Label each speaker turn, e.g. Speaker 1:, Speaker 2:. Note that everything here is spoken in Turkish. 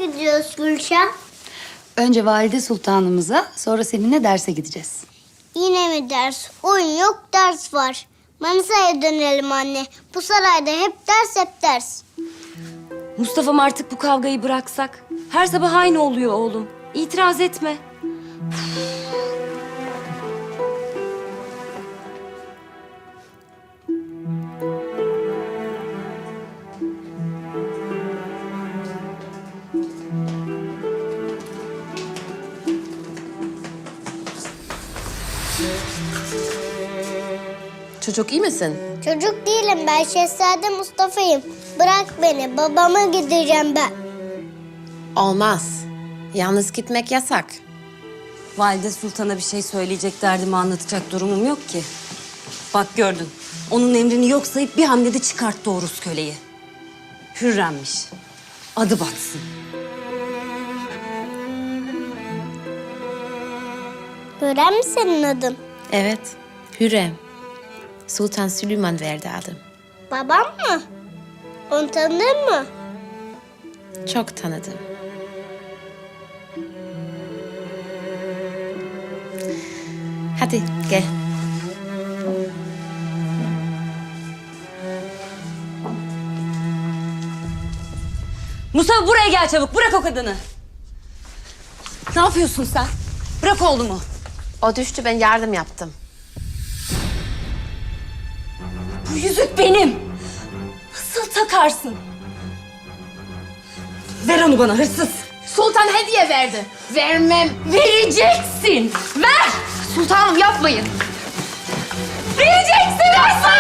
Speaker 1: nereye gidiyoruz Gülşah?
Speaker 2: Önce valide sultanımıza, sonra seninle derse gideceğiz.
Speaker 1: Yine mi ders? Oyun yok, ders var. Manisa'ya dönelim anne. Bu sarayda hep ders, hep ders.
Speaker 3: Mustafa'm artık bu kavgayı bıraksak. Her sabah aynı oluyor oğlum. İtiraz etme.
Speaker 4: Çocuk iyi misin?
Speaker 1: Çocuk değilim ben, Şehzade Mustafa'yım. Bırak beni, babama gideceğim ben.
Speaker 4: Olmaz. Yalnız gitmek yasak.
Speaker 3: Valide Sultan'a bir şey söyleyecek, derdimi anlatacak durumum yok ki. Bak gördün. Onun emrini yok sayıp bir hamlede çıkarttı o Rus köleyi. Hürremmiş. Adı batsın.
Speaker 1: Hürrem mi senin adın?
Speaker 4: Evet, Hürrem. Sultan Süleyman verdi adım.
Speaker 1: Babam mı? Onu tanıdın mı?
Speaker 4: Çok tanıdım. Hadi gel.
Speaker 3: Mustafa buraya gel çabuk. Bırak o kadını. Ne yapıyorsun sen? Bırak oğlumu.
Speaker 4: O düştü, ben yardım yaptım.
Speaker 3: Bu yüzük benim. Nasıl takarsın? Ver onu bana hırsız.
Speaker 4: Sultan hediye verdi. Vermem.
Speaker 3: Vereceksin. Ver.
Speaker 4: Sultanım yapmayın.
Speaker 3: Vereceksin hırsız.